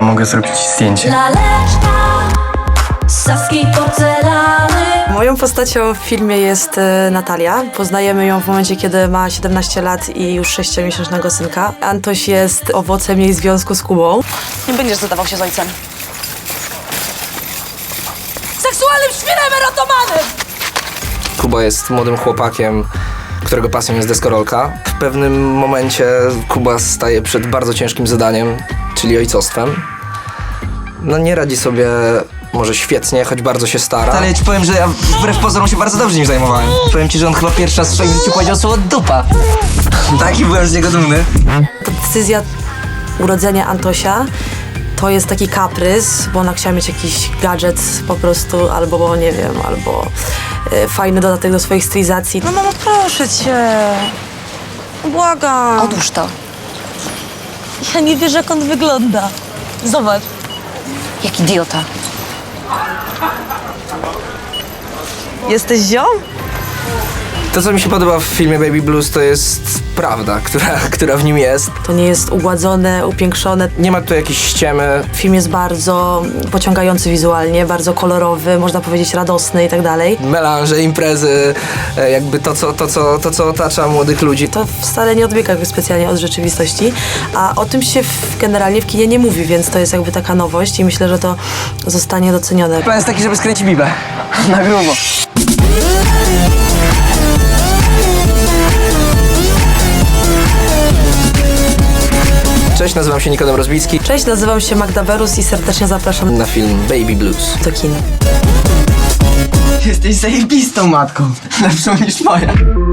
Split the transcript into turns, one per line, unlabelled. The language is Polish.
Mogę zrobić ci zdjęcie.
Laleczka z saskiej porcelany.
Moją postacią w filmie jest Natalia. Poznajemy ją w momencie, kiedy ma 17 lat i już 6-miesięcznego synka. Antoś jest owocem jej związku z Kubą.
Nie będziesz zadawał się z ojcem.
Seksualnym świrem erotomanem!
Kuba jest młodym chłopakiem, którego pasją jest deskorolka. W pewnym momencie Kuba staje przed bardzo ciężkim zadaniem, czyli ojcostwem. No nie radzi sobie może świetnie, choć bardzo się stara.
Ale ja ci powiem, że ja wbrew pozorom się bardzo dobrze nim zajmowałem. Powiem ci, że on chyba pierwszy raz w swoim życiu powiedział słowo dupa. Taki byłem z niego dumny.
Ta decyzja urodzenia Antosia to jest taki kaprys, bo ona chciała mieć jakiś gadżet po prostu, albo nie wiem, albo fajny dodatek do swoich stylizacji.
No mamo, proszę cię. Błagam.
Odłóż to.
Ja nie wierzę, jak on wygląda. Zobacz.
Jak idiota.
Jesteś ziom?
To, co mi się podoba w filmie Baby Blues, to jest prawda, która w nim jest.
To nie jest ugładzone, upiększone.
Nie ma tu jakiejś ściemy.
Film jest bardzo pociągający wizualnie, bardzo kolorowy, można powiedzieć radosny i tak dalej.
Melanże, imprezy, jakby to, co otacza młodych ludzi.
To wcale nie odbiega jakby specjalnie od rzeczywistości, a o tym się generalnie w kinie nie mówi, więc to jest jakby taka nowość i myślę, że to zostanie docenione.
Plan jest taki, żeby skręcić bibę. Na grubo.
Cześć, nazywam się Nikodem Rozbicki.
Cześć, nazywam się Magda Berus i serdecznie zapraszam
Na film Baby Blues.
do kin.
Jesteś zajebistą matką. Lepszą niż moja.